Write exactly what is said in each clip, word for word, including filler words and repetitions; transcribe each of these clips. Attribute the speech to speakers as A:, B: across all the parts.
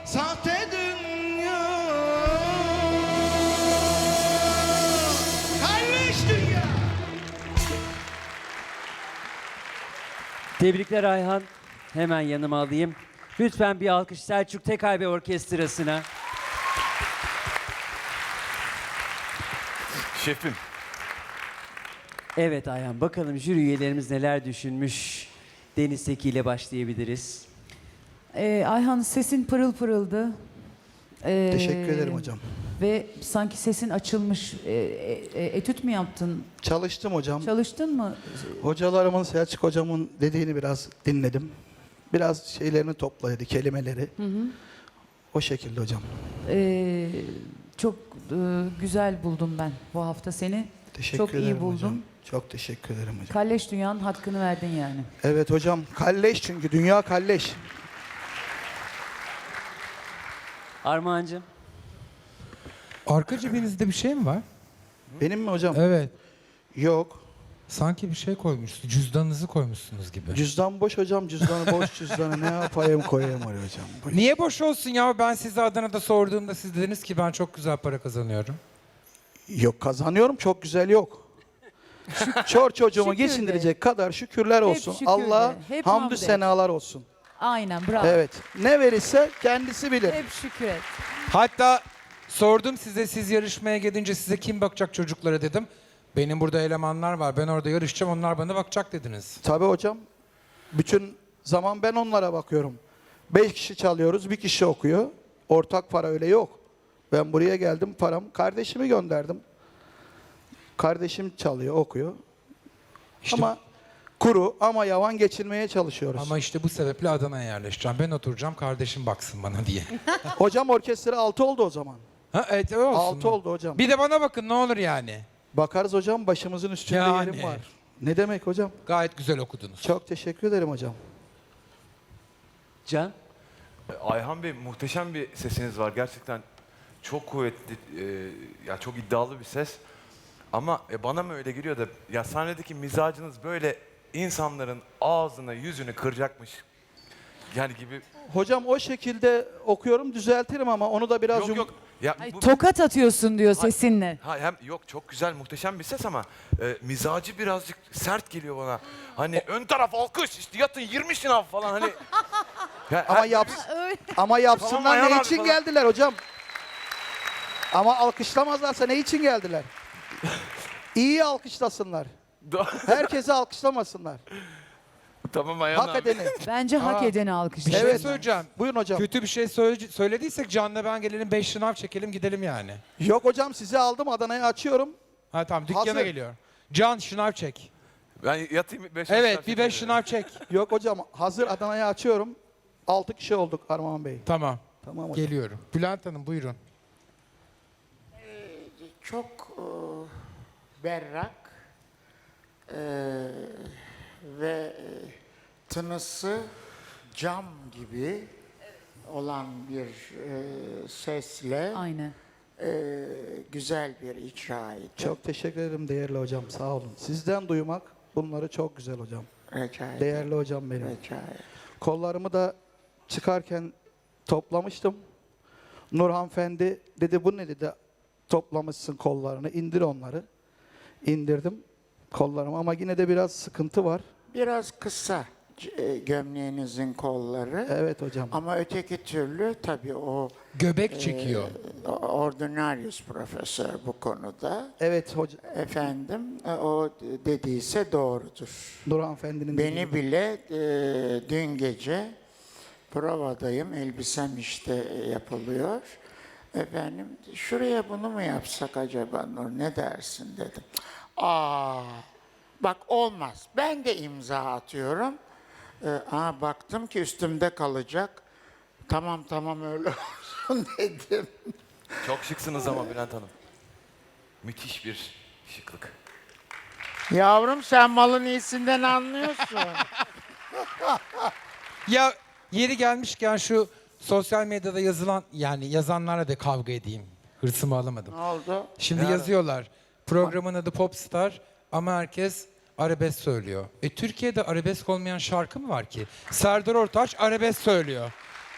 A: sahte dünya, kalleş dünya.
B: Tebrikler Ayhan. Hemen yanıma alayım. Lütfen bir alkış Selçuk Tekay ve orkestrasına.
C: Şefim.
B: Evet Ayhan, bakalım jüri üyelerimiz neler düşünmüş. Deniz Seki ile başlayabiliriz.
D: Ee, Ayhan sesin pırıl pırıldı. Ee,
A: Teşekkür ederim hocam.
D: Ve sanki sesin açılmış. Ee, e, e, etüt mü yaptın?
A: Çalıştım hocam.
D: Çalıştın mı?
A: Hocalarımın, Selçuk hocamın dediğini biraz dinledim. Biraz şeylerini topladı, kelimeleri.
D: Hı hı.
A: O şekilde hocam.
D: Ee, çok e, güzel buldum ben bu hafta seni.
A: Teşekkür
D: Çok iyi
A: ederim
D: buldum.
A: hocam. Çok teşekkür ederim hocam.
D: Kalleş dünyanın hakkını verdin yani.
A: Evet hocam, kalleş çünkü dünya kalleş.
B: Armağancığım.
E: Arka cebinizde bir şey mi var?
A: Benim mi hocam?
E: Evet.
A: Yok.
E: Sanki bir şey koymuşsunuz. Cüzdanınızı koymuşsunuz gibi.
A: Cüzdan boş hocam, cüzdanı boş cüzdanı ne yapayım koyayım oraya hocam. Bu-
E: Niye boş olsun ya? Ben size Adana'da sorduğumda siz dediniz ki ben çok güzel para kazanıyorum.
A: Yok kazanıyorum, çok güzel yok. Çor çocuğumu
D: Şükür de.
A: geçindirecek kadar şükürler olsun.
D: şükür de,
A: Allah
D: hep
A: hamdü
D: hamd et.
A: senalar olsun.
D: Aynen bravo.
A: Evet. Ne verirse kendisi bilir.
D: Hep şükür et.
E: Hatta sordum size, siz yarışmaya gidince size kim bakacak çocuklara dedim. Benim burada elemanlar var. Ben orada yarışacağım. Onlar bana bakacak dediniz.
A: Tabii hocam. Bütün zaman ben onlara bakıyorum. Beş kişi çalıyoruz, bir kişi okuyor. Ortak para öyle yok. Ben buraya geldim, param kardeşimi gönderdim. Kardeşim çalıyor, okuyor.
E: İşte-
A: Ama kuru ama yavan geçirmeye çalışıyoruz.
E: Ama işte bu sebeple Adana'ya yerleşeceğim. Ben oturacağım, kardeşim baksın bana diye.
A: Hocam orkestra altı oldu o zaman.
E: Ha, evet, öyle olsun.
A: Altı oldu hocam.
E: Bir de bana bakın ne olur yani.
A: Bakarız hocam, başımızın üstünde
E: Yani.
A: yerim var. Ne demek hocam?
E: Gayet güzel okudunuz.
A: Çok teşekkür ederim hocam.
B: Can.
C: Ayhan Bey, muhteşem bir sesiniz var. Gerçekten çok kuvvetli, e, ya çok iddialı bir ses. Ama e, bana mı öyle geliyor da ya sahnedeki mizacınız böyle insanların ağzını, yüzünü kıracakmış. Yani gibi.
A: Hocam o şekilde okuyorum, düzeltirim ama onu da biraz
C: Yok
A: yum-
C: yok. Ya
D: Ay,
C: bu-
D: tokat atıyorsun diyor
C: Hayır.
D: sesinle.
C: Ha, hem yok çok güzel, muhteşem bir ses ama e, mizacı birazcık sert geliyor bana. Hani ön taraf alkış, işte yatın yirmi şınav falan hani. Ya,
A: Ama
C: her-
A: yaps
D: Öyle.
A: ama yapsınlar
C: Tamam, Ayhan
A: ne
C: abi
A: için
C: falan.
A: geldiler hocam? Ama alkışlamazlarsa ne için geldiler? İyi alkışlasınlar. Herkesi alkışlamasınlar.
C: Tamam Ayhan
A: Hak
C: abi.
A: edeni.
D: Bence hak
A: Aa.
D: edeni
E: Bir
D: alkışlar.
E: şey
A: Evet.
E: söyleyeceğim.
A: Buyurun hocam.
E: Kötü bir şey söyle- söylediysek Can'la ben gelelim beş şınav çekelim gidelim yani.
A: Yok hocam sizi aldım Adana'ya açıyorum.
E: Ha tamam dükkana
A: Hazır.
E: geliyor. Can şınav çek.
C: Ben yatayım beş
E: Evet bir beş şınav çek.
A: Yok hocam hazır Adana'ya açıyorum. Altı kişi olduk Armağan Bey.
E: Tamam
A: Tamam hocam.
E: geliyorum. Bülent Hanım buyurun.
F: Çok e, berrak e, ve e, tınısı cam gibi olan bir e, sesle
D: Aynen.
F: e, güzel bir icraydı.
A: Çok teşekkür ederim değerli hocam sağ olun. Sizden duymak bunları çok güzel hocam.
F: Rica ederim.
A: Değerli hocam benim.
F: Rica ederim.
A: Kollarımı da çıkarken toplamıştım. Nur hanımefendi dedi bu ne dedi toplamışsın kollarını indir onları. İndirdim kollarımı ama yine de biraz sıkıntı var.
F: Biraz kısa c- e, gömleğinizin kolları
A: Evet hocam.
F: ama öteki türlü tabii o
E: Göbek çekiyor.
F: e, ordinarius profesör bu konuda.
A: Evet hocam.
F: Efendim e, o dediyse doğrudur.
A: Nur hanımefendinin dediği
F: Beni
A: gibi.
F: bile e, dün gece provadayım, elbisem işte e, yapılıyor. Efendim şuraya bunu mu yapsak acaba Nur ne dersin dedim. Aa bak olmaz. Ben de imza atıyorum. E, aa baktım ki üstümde kalacak. Tamam tamam öyle olsun dedim.
C: Çok şıksınız ama Bülent Hanım. Müthiş bir şıklık.
F: Yavrum sen malın iyisinden anlıyorsun.
E: Ya yeri gelmişken şu sosyal medyada yazılan yani yazanlarla da kavga edeyim. Hırsımı alamadım.
F: Ne oldu?
E: Şimdi
C: Ne
E: yazıyorlar. Programın adı Popstar ama herkes arabesk söylüyor. E Türkiye'de arabesk olmayan şarkı mı var ki? Serdar Ortaç arabesk söylüyor.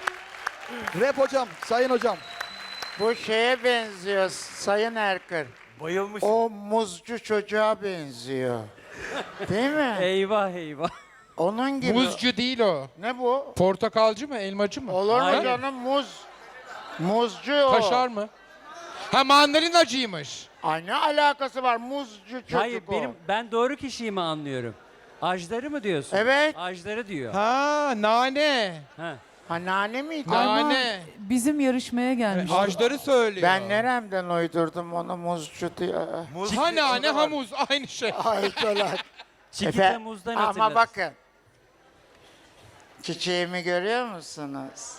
A: Rap hocam, sayın hocam.
F: Bu şeye benziyor Sayın Erkır.
C: Bayılmış.
F: O muzcu çocuğa benziyor. Değil mi?
B: Eyvah eyvah.
F: Onun gibi.
E: Muzcu değil o.
F: Ne bu?
E: Portakalcı mı, elmacı mı?
F: Olur mu
B: Hayır.
F: canım muz? Muzcu o.
E: Kaşar mı? Ha mandalinacıymış.
F: Ay ne alakası var muzcu çocuk
B: Hayır
F: o.
B: benim ben doğru kişiyi mi anlıyorum? Ajdarı mı diyorsun?
F: Evet.
B: Ajdarı diyor.
E: Ha nane.
B: Ha.
F: Ha nane miydi?
E: Nane.
D: Ama bizim yarışmaya gelmiş.
E: Ajdarı söylüyor.
F: Ben neremden uydurdum onu muzcu diye.
C: Muz-
E: Ha nane
C: o da
E: ha
C: var.
E: muz aynı şey.
F: Ay felak.
B: Çikita
F: Efe-
B: muzdan
F: Ama
B: hatırlarız.
F: bakın. Çiçeğimi görüyor musunuz?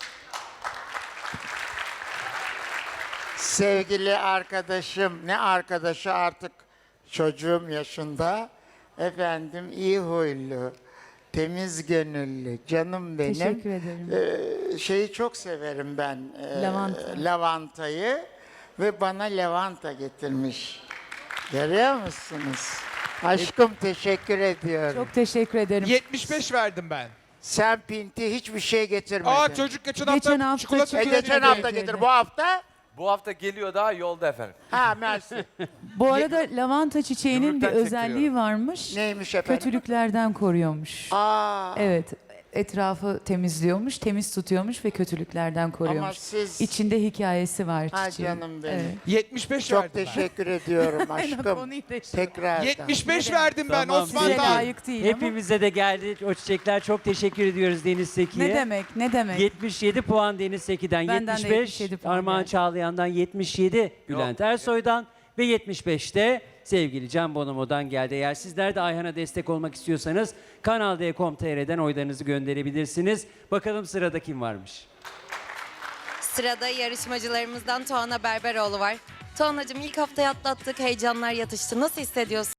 F: Sevgili arkadaşım, ne arkadaşı artık çocuğum yaşında. Efendim iyi huylu, temiz gönüllü, canım benim.
D: Teşekkür ederim.
F: Ee, şeyi çok severim ben. e,
D: Lavanta.
F: Lavantayı ve bana lavanta getirmiş. Görüyor musunuz? Aşkım teşekkür ediyorum.
D: Çok teşekkür ederim.
E: yetmiş beş verdim ben.
F: Sen pinti hiçbir şey getirmedin.
E: Aa çocuk geçen hafta,
D: Geçen hafta
E: çikolata
F: E
D: çikolata
F: geçen
E: getirdi.
F: hafta getir. Bu hafta?
C: Bu hafta geliyor daha yolda efendim.
F: Ha mersi.
D: Bu arada lavanta çiçeğinin bir
C: Gümrükten
D: özelliği
C: çektiriyorum.
D: varmış.
F: Neymiş efendim?
D: Kötülüklerden koruyormuş.
F: Aa,
D: Evet. Etrafı temizliyormuş, temiz tutuyormuş ve kötülüklerden koruyormuş.
F: ama siz...
D: İçinde hikayesi var
F: Ha
D: çiçeğin.
F: canım benim.
D: Evet.
E: yetmiş beş
F: Çok
E: verdim ben.
F: teşekkür ediyorum aşkım.
D: Konuyu da işte-
F: Tekrardan.
E: yetmiş beş
D: Ne demek?
E: verdim ben
B: Tamam,
E: Osman
D: Size
B: Peki.
E: Tan.
D: layık değil ama.
B: Hepimize de geldi o çiçekler. Çok teşekkür ediyoruz Deniz Seki'ye.
D: Ne demek, ne demek?
B: yetmiş yedi puan Deniz Seki'den,
D: Benden de
B: yetmiş beş
D: yetmiş yedi puan
B: Armağan
D: geldi.
B: Çağlayan'dan, yetmiş yedi Bülent Ersoy'dan ve yetmiş beşte sevgili Can Bonomo'dan geldi. Eğer sizler de Ayhan'a destek olmak istiyorsanız kanal d nokta com nokta tr'den oylarınızı gönderebilirsiniz. Bakalım sırada kim varmış?
G: Sırada yarışmacılarımızdan Tuana Berberoğlu var. Tuana'cığım ilk haftayı atlattık, heyecanlar yatıştı. Nasıl hissediyorsun?